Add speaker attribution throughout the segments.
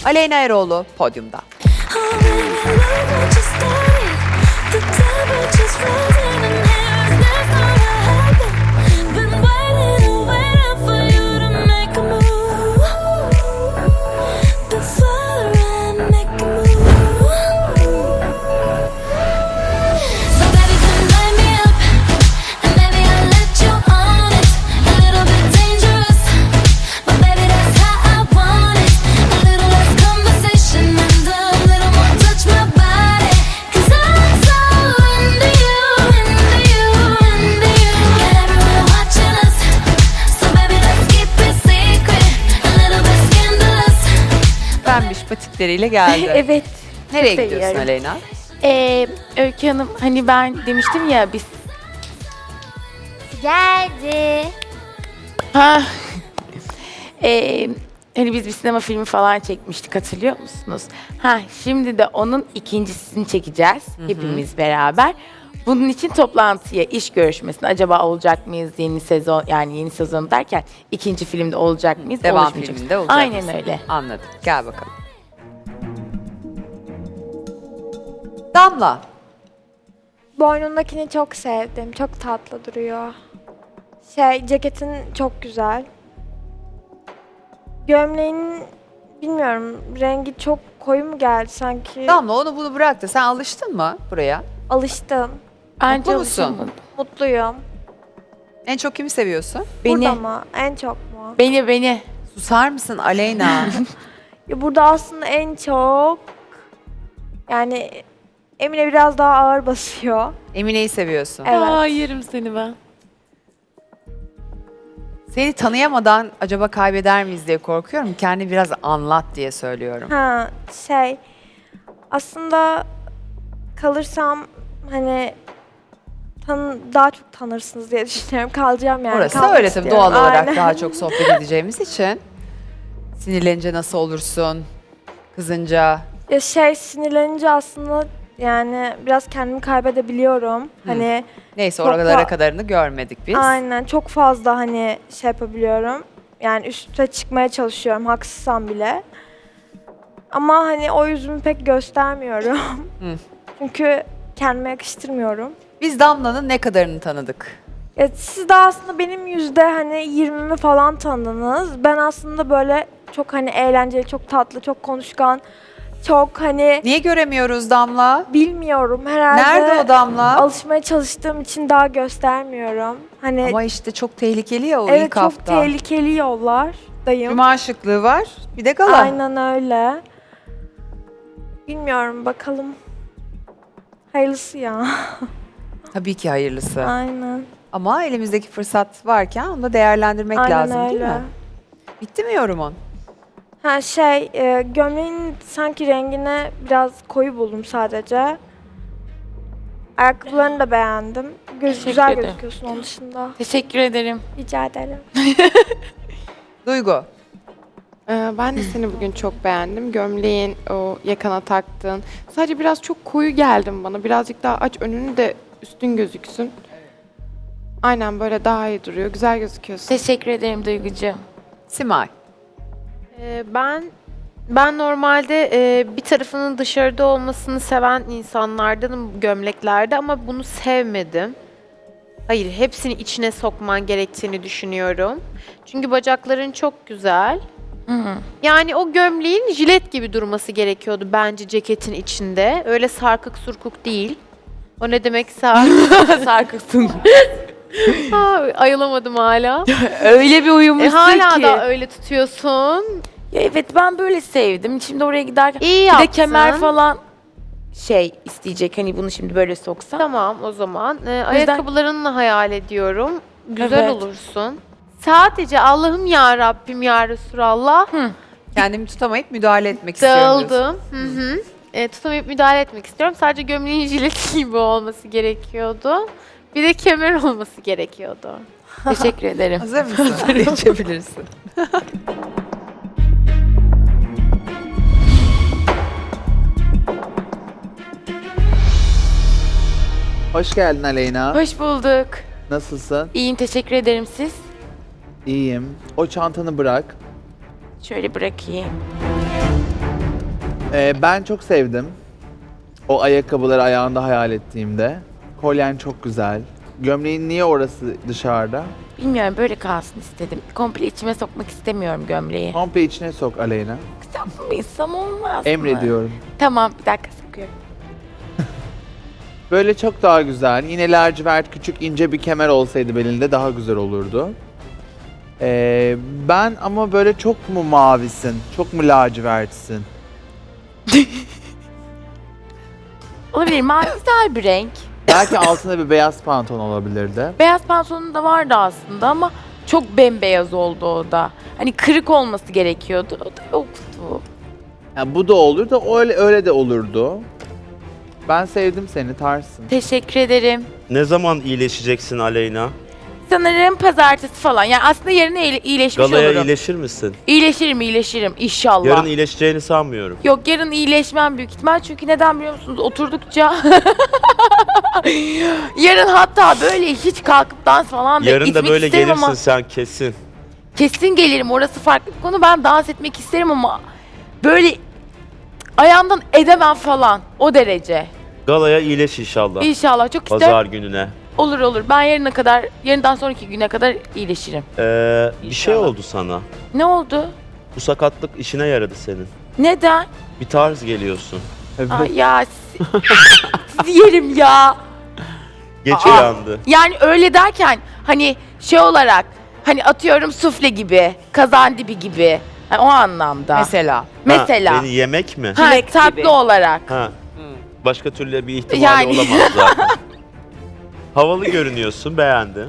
Speaker 1: Aleyna Eroğlu podyumda. Pembiş patikleriyle geldi.
Speaker 2: Evet.
Speaker 1: Nereye
Speaker 2: çok
Speaker 1: gidiyorsun
Speaker 2: seviyorum.
Speaker 1: Aleyna?
Speaker 2: Öykü Hanım hani ben demiştim ya biz...
Speaker 3: Geldi.
Speaker 2: Ha. Hani biz bir sinema filmi falan çekmiştik hatırlıyor musunuz? Ha şimdi de onun ikincisini çekeceğiz hepimiz beraber. Bunun için toplantıya, iş görüşmesine acaba olacak mıyız yeni sezon, yani yeni sezon derken ikinci filmde olacak mıyız?
Speaker 1: Devam
Speaker 2: oluşmayacak.
Speaker 1: filminde olacak
Speaker 2: Aynen
Speaker 1: mısın?
Speaker 2: öyle.
Speaker 1: Anladım. Gel bakalım. Damla.
Speaker 4: Boynundakini çok sevdim. Çok tatlı duruyor. Ceketin çok güzel. Gömleğin bilmiyorum rengi çok koyu mu geldi sanki?
Speaker 1: Damla onu bunu bırak da sen alıştın mı buraya?
Speaker 4: Alıştım.
Speaker 2: Bence
Speaker 1: Mutlu musun?
Speaker 2: alışamadım.
Speaker 4: Mutluyum.
Speaker 1: En çok kimi seviyorsun?
Speaker 2: Beni,
Speaker 4: Burada mı? En çok mu?
Speaker 2: beni.
Speaker 1: Susar mısın Aleyna?
Speaker 4: Ya burada aslında en çok yani Emine biraz daha ağır basıyor.
Speaker 1: Emine'yi seviyorsun.
Speaker 4: Evet.
Speaker 2: Aa, yerim seni ben.
Speaker 1: Seni tanıyamadan acaba kaybeder miyiz diye korkuyorum. Kendini biraz anlat diye söylüyorum.
Speaker 4: Ha aslında kalırsam hani daha çok tanırsınız diye düşünüyorum. Kalacağım yani.
Speaker 1: Orası
Speaker 4: kalmak
Speaker 1: öyle tabii
Speaker 4: istiyorum.
Speaker 1: doğal olarak
Speaker 4: Aynen.
Speaker 1: daha çok sohbet edeceğimiz için. Sinirlenince nasıl olursun? Kızınca.
Speaker 4: Ya sinirlenince aslında yani biraz kendimi kaybedebiliyorum. Hani
Speaker 1: Neyse
Speaker 4: Çok
Speaker 1: oralara kadarını görmedik biz.
Speaker 4: aynen çok fazla hani yapabiliyorum. Yani üste çıkmaya çalışıyorum haksızsam bile. Ama hani o yüzümü pek göstermiyorum.
Speaker 1: Hı.
Speaker 4: Çünkü kendime yakıştırmıyorum.
Speaker 1: Biz Damla'nın ne kadarını tanıdık?
Speaker 4: Ya siz de aslında benim hani 20'mi falan tanıdınız. Ben aslında böyle çok hani eğlenceli, çok tatlı, çok konuşkan, çok hani
Speaker 1: Niye göremiyoruz Damla?
Speaker 4: bilmiyorum herhalde.
Speaker 1: Nerede o Damla?
Speaker 4: Alışmaya çalıştığım için daha göstermiyorum. Hani
Speaker 1: Ama işte çok tehlikeli ya o
Speaker 4: evet
Speaker 1: ilk
Speaker 4: çok
Speaker 1: hafta.
Speaker 4: tehlikeli yollardayım.
Speaker 1: Cuma şıklığı var. Bir de gala.
Speaker 4: Aynen öyle. Bilmiyorum bakalım. Hayırlısı ya.
Speaker 1: Tabii ki hayırlısı.
Speaker 4: Aynen.
Speaker 1: Ama elimizdeki fırsat varken onu da değerlendirmek
Speaker 4: Aynen
Speaker 1: lazım
Speaker 4: öyle.
Speaker 1: değil mi? Bitti mi yorumun?
Speaker 4: Ha gömleğin sanki rengine biraz koyu buldum sadece. Ayakkabılarını da beğendim.
Speaker 2: Teşekkür
Speaker 4: Güzel
Speaker 2: ederim.
Speaker 4: gözüküyorsun onun dışında.
Speaker 2: Teşekkür ederim.
Speaker 4: Rica ederim.
Speaker 1: Duygu.
Speaker 5: Ben de seni bugün çok beğendim. Gömleğin, o yakana taktığın. Sadece biraz çok koyu geldin bana. Birazcık daha aç önünü de üstün gözüksün. Aynen böyle daha iyi duruyor. Güzel gözüküyorsun.
Speaker 2: Teşekkür ederim Duygucuğum.
Speaker 1: Simay.
Speaker 6: Ben normalde bir tarafının dışarıda olmasını seven insanlardanım gömleklerde ama bunu sevmedim. Hayır, hepsini içine sokman gerektiğini düşünüyorum. Çünkü bacakların çok güzel. Yani o gömleğin jilet gibi durması gerekiyordu bence ceketin içinde. Öyle sarkık surkuk değil. O ne demek
Speaker 2: Sarkıksın.
Speaker 6: Ayılamadım hala.
Speaker 2: Öyle bir uyumuşsun
Speaker 6: Hala
Speaker 2: ki.
Speaker 6: da öyle tutuyorsun.
Speaker 2: Ya evet ben böyle sevdim. Şimdi oraya giderken
Speaker 6: İyi
Speaker 2: bir
Speaker 6: yaptın.
Speaker 2: de kemer falan isteyecek. Hani bunu şimdi böyle soksam.
Speaker 6: Tamam o zaman. Ayakkabılarınla hayal ediyorum. Güzel
Speaker 2: Evet.
Speaker 6: olursun. Sadece Allah'ım ya Rabbim ya Resulallah.
Speaker 1: Kendimi tutamayıp müdahale etmek istiyorum diyorsun.
Speaker 6: Dağıldım. Tutamayıp müdahale etmek istiyorum. Sadece gömleğin jileti gibi olması gerekiyordu. Bir de kemer olması gerekiyordu.
Speaker 2: Teşekkür ederim.
Speaker 1: Hazır mısın? Geçebilirsin.
Speaker 7: Hoş geldin Aleyna.
Speaker 2: Hoş bulduk.
Speaker 7: Nasılsın?
Speaker 2: İyiyim teşekkür ederim siz.
Speaker 7: İyiyim. O çantanı bırak.
Speaker 2: Şöyle bırakayım.
Speaker 7: Ben çok sevdim. O ayakkabıları ayağında hayal ettiğimde. Kolyen çok güzel. Gömleğin niye orası dışarıda?
Speaker 2: Bilmiyorum böyle kalsın istedim. Komple içime sokmak istemiyorum gömleği.
Speaker 7: Komple içine sok Aleyna.
Speaker 2: Yapmaysam olmaz mı?
Speaker 7: Emrediyorum.
Speaker 2: Tamam bir dakika sokuyorum.
Speaker 7: Böyle çok daha güzel. Yine lacivert küçük ince bir kemer olsaydı belinde daha güzel olurdu. Ben ama böyle çok mu mavisin? Çok mu lacivertsin?
Speaker 2: Olabilir mavi güzel bir renk.
Speaker 7: Belki altında bir beyaz pantolon olabilirdi.
Speaker 2: Beyaz pantolonum da vardı aslında ama çok bembeyaz oldu o da. Hani kırık olması gerekiyordu. O da yoktu.
Speaker 7: Yani bu da olur da öyle de olurdu. Ben sevdim seni, tarzsın.
Speaker 2: Teşekkür ederim.
Speaker 3: Ne zaman iyileşeceksin Aleyna?
Speaker 2: Sanırım pazartesi falan. Yani aslında yarın iyileşmiş
Speaker 3: Galaya
Speaker 2: olurum.
Speaker 3: iyileşir misin?
Speaker 2: İyileşirim inşallah.
Speaker 3: Yarın iyileşeceğini sanmıyorum.
Speaker 2: Yok yarın iyileşmem büyük ihtimal çünkü neden biliyor musunuz? Oturdukça yarın hatta böyle hiç kalkıp dans falan da
Speaker 3: Yarın da
Speaker 2: gitmek
Speaker 3: böyle
Speaker 2: isterim
Speaker 3: gelirsin
Speaker 2: ama
Speaker 3: sen kesin.
Speaker 2: kesin gelirim. Orası farklı bir konu. Ben dans etmek isterim ama böyle ayağımdan edemem falan o derece.
Speaker 3: Galaya iyileş inşallah.
Speaker 2: İnşallah çok isterim.
Speaker 3: Pazar gününe.
Speaker 2: Olur. Ben yarından sonraki güne kadar iyileşirim.
Speaker 3: Bir şey oldu sana.
Speaker 2: Ne oldu?
Speaker 3: Bu sakatlık işine yaradı senin.
Speaker 2: Neden?
Speaker 3: Bir tarz geliyorsun.
Speaker 7: Evet.
Speaker 2: Ay ya sizi yerim ya.
Speaker 3: Geç uyandı.
Speaker 2: Yani öyle derken hani şey olarak hani atıyorum sufle gibi, kazan dibi gibi. Hani o anlamda.
Speaker 1: Mesela.
Speaker 2: Mesela.
Speaker 3: Beni yemek mi?
Speaker 2: Ha,
Speaker 8: Çilek
Speaker 2: tatlı
Speaker 8: gibi.
Speaker 2: olarak.
Speaker 3: Ha. Başka türlü bir ihtimali
Speaker 2: Yani.
Speaker 3: olamaz zaten. Havalı görünüyorsun, beğendim.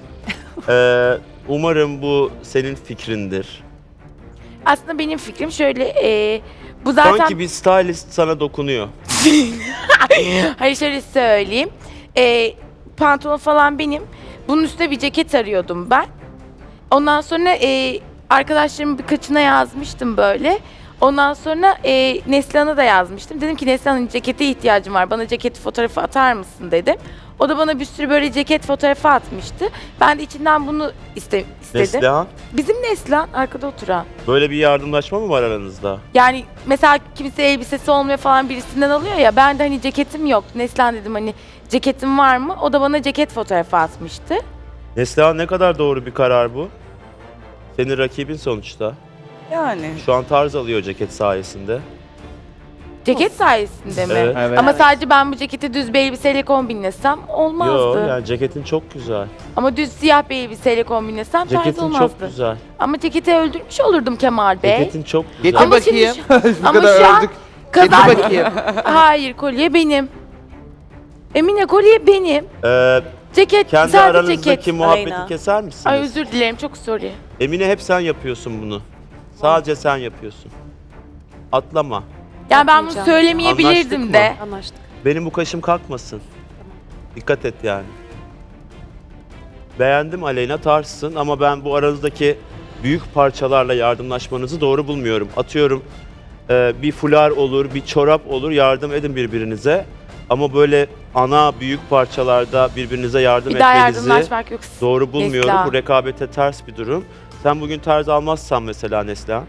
Speaker 3: Umarım bu senin fikrindir.
Speaker 2: Aslında benim fikrim şöyle bu zaten
Speaker 3: Sanki bir stylist sana dokunuyor.
Speaker 2: hayır şöyle söyleyeyim. Pantolon falan benim. Bunun üstüne bir ceket arıyordum ben. Ondan sonra arkadaşlarımın birkaçına yazmıştım böyle. Ondan sonra Neslihan'a da yazmıştım. Dedim ki Neslihan'ın cekete ihtiyacım var. Bana ceket fotoğrafı atar mısın dedim. O da bana bir sürü böyle ceket fotoğrafı atmıştı. Ben de içinden bunu istedim.
Speaker 3: Neslihan,
Speaker 2: Bizim Neslihan arkada oturan.
Speaker 3: böyle bir yardımlaşma mı var aranızda?
Speaker 2: Yani mesela kimse elbisesi olmuyor falan birisinden alıyor ya. Ben de hani ceketim yok. Neslihan dedim hani ceketim var mı? O da bana ceket fotoğrafı atmıştı.
Speaker 3: Neslihan, ne kadar doğru bir karar bu? Senin rakibin sonuçta.
Speaker 8: Yani.
Speaker 3: Şu an tarz alıyor ceket sayesinde.
Speaker 2: Ceket sayesinde mi?
Speaker 3: Evet.
Speaker 7: Evet.
Speaker 2: Ama sadece ben bu ceketi düz bir elbiseyle kombinlesem olmazdı.
Speaker 3: Yo, yani ceketin çok güzel.
Speaker 2: Ama düz siyah bir elbiseyle kombinlesem tarz
Speaker 3: Ceketin
Speaker 2: olmazdı.
Speaker 3: çok güzel.
Speaker 2: Ama ceketi öldürmüş olurdum Kemal Bey.
Speaker 3: Ceketin çok güzel.
Speaker 7: Getir
Speaker 2: Ama
Speaker 7: bakayım.
Speaker 2: şimdi
Speaker 7: Bu
Speaker 2: ama
Speaker 7: kadar
Speaker 2: şu an
Speaker 7: ördük. Getir
Speaker 2: kazan...
Speaker 7: bakayım.
Speaker 2: Hayır kolye benim. Emine kolye benim. Ceket
Speaker 3: Kendi
Speaker 2: sadece
Speaker 3: aranızdaki
Speaker 2: ceket.
Speaker 3: muhabbeti
Speaker 8: Aleyna.
Speaker 3: keser misiniz?
Speaker 2: Ay özür dilerim çok sorry.
Speaker 3: Emine, hep sen yapıyorsun bunu. Sadece sen yapıyorsun. Atlama.
Speaker 2: Yani ben bunu söylemeyebilirdim
Speaker 3: Anlaştık
Speaker 2: de.
Speaker 3: mı?
Speaker 8: Anlaştık.
Speaker 3: Benim bu kaşım kalkmasın. Dikkat et yani. Beğendim Aleyna, tarzsın ama ben bu aranızdaki büyük parçalarla yardımlaşmanızı doğru bulmuyorum. Atıyorum bir fular olur, bir çorap olur, yardım edin birbirinize. Ama böyle ana büyük parçalarda birbirinize yardım
Speaker 2: Bir daha
Speaker 3: etmenizi
Speaker 2: yardımlaşmak yok.
Speaker 3: doğru bulmuyorum.
Speaker 2: Neslihan.
Speaker 3: Bu rekabete ters bir durum. Sen bugün tarz almazsan mesela Neslihan.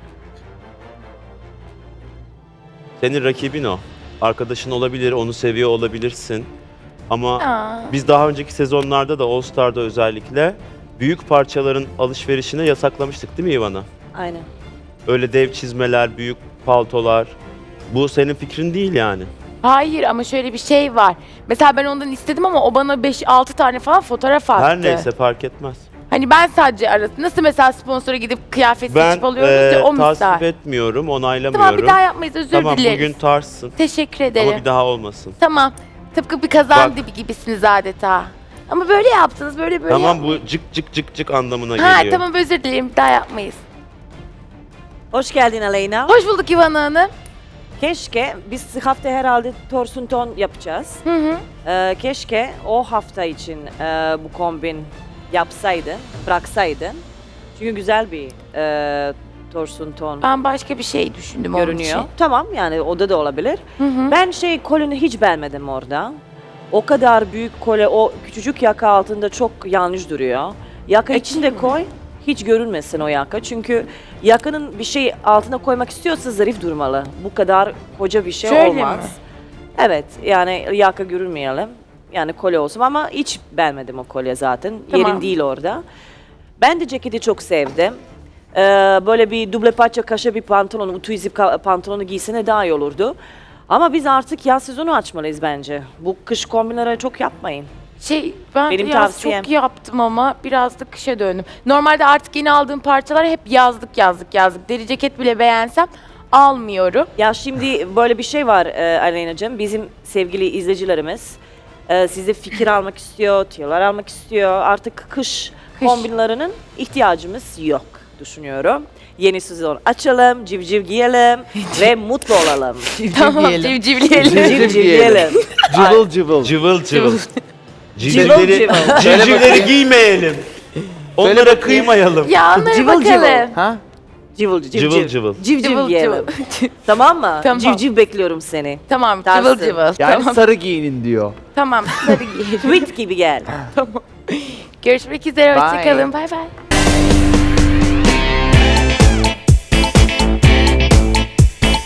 Speaker 3: Senin rakibin o. Arkadaşın olabilir, onu seviyor olabilirsin. Ama
Speaker 2: Aa.
Speaker 3: biz daha önceki sezonlarda da All Star'da özellikle büyük parçaların alışverişine yasaklamıştık değil mi Ivana?
Speaker 8: Aynen.
Speaker 3: Öyle dev çizmeler, büyük paltolar. Bu senin fikrin değil yani.
Speaker 2: Hayır ama şöyle bir şey var. Mesela ben ondan istedim ama o bana 5-6 tane falan fotoğraf attı.
Speaker 3: Her neyse fark etmez.
Speaker 2: Hani ben sadece arası. Nasıl mesela sponsora gidip kıyafet
Speaker 3: Ben
Speaker 2: seçip alıyoruz ya o misal.
Speaker 3: tasvip etmiyorum, onaylamıyorum.
Speaker 2: Tamam bir daha yapmayız özür
Speaker 3: Tamam,
Speaker 2: dileriz.
Speaker 3: bugün tarzsın
Speaker 2: Teşekkür ederim.
Speaker 3: ama bir daha olmasın.
Speaker 2: Tamam. Tıpkı bir kazan
Speaker 3: Bak.
Speaker 2: dibi gibisiniz adeta. Ama böyle yaptınız böyle
Speaker 3: Tamam,
Speaker 2: yapmayın.
Speaker 3: bu cık cık cık cık anlamına
Speaker 2: Ha
Speaker 3: geliyor.
Speaker 2: tamam özür dilerim bir daha yapmayız.
Speaker 8: Hoş geldin Aleyna.
Speaker 2: Hoş bulduk İvan Hanım.
Speaker 8: Keşke biz hafta herhalde torsun ton yapacağız.
Speaker 2: Hı hı.
Speaker 8: Keşke o hafta için bu kombin yapsaydın, bıraksaydın. Çünkü güzel bir torsun ton
Speaker 2: Ben başka bir şey düşündüm onun
Speaker 8: görünüyor.
Speaker 2: için.
Speaker 8: Tamam, yani oda da olabilir.
Speaker 2: Hı hı.
Speaker 8: Ben kolunu hiç beğenmedim orada. O kadar büyük kole, o küçücük yaka altında çok yanlış duruyor. Yaka içinde koy. hiç görünmesin o yaka. Çünkü yakanın bir şey altına koymak istiyorsa zarif durmalı. Bu kadar koca bir şey
Speaker 2: Şöyle
Speaker 8: olmaz.
Speaker 2: mi?
Speaker 8: Evet, yani yaka görünmeyelim. Yani kolye olsun ama hiç beğenmedim o kolye zaten.
Speaker 2: Tamam.
Speaker 8: Yerin değil orada. Ben de ceketi çok sevdim. Böyle bir duble paça kaşe bir pantolon, ütü izi pantolonu giysene daha iyi olurdu. Ama biz artık yaz sezonu açmalıyız bence. Bu kış kombinleri çok yapmayın.
Speaker 2: Ben
Speaker 8: Benim
Speaker 2: yaz
Speaker 8: tavsiyem.
Speaker 2: çok yaptım ama biraz da kışa döndüm. Normalde artık yeni aldığım parçalar hep yazlık. Deri ceket bile beğensem almıyorum.
Speaker 8: Ya şimdi böyle bir şey var Aleyna'cığım. Bizim sevgili izleyicilerimiz size fikir almak istiyor, tüyolar almak istiyor. Artık kış kombinlerinin ihtiyacımız yok düşünüyorum. Yeni sezon açalım, civciv giyelim ve mutlu olalım.
Speaker 2: Tamam, civcivleyelim.
Speaker 8: Civciv giyelim.
Speaker 7: Cıvıl cıvıl.
Speaker 3: Cıvıl cıvıl.
Speaker 8: Cıvıl cıvıl.
Speaker 3: Civcivleri giymeyelim. Onlara
Speaker 7: bakayım.
Speaker 3: kıymayalım.
Speaker 2: Ya onlara
Speaker 8: Cıvıl
Speaker 2: bakalım.
Speaker 8: cıvıl.
Speaker 7: Ha?
Speaker 8: Cıvıl cıvıl.
Speaker 3: Cıvıl cıvıl.
Speaker 8: Civciv
Speaker 2: Cıvıl
Speaker 8: giyelim.
Speaker 2: cıvıl.
Speaker 8: Tamam mı?
Speaker 2: Tamam.
Speaker 8: Civciv bekliyorum seni.
Speaker 2: Tamam,
Speaker 8: Tersi.
Speaker 2: cıvıl cıvıl.
Speaker 7: Yani
Speaker 2: Tamam,
Speaker 7: sarı giyinin diyor.
Speaker 2: tamam. Sarı giyelim.
Speaker 8: Tweet gibi gel.
Speaker 2: Görüşmek üzere,
Speaker 7: Bye.
Speaker 2: hoşçakalın. Bay bay.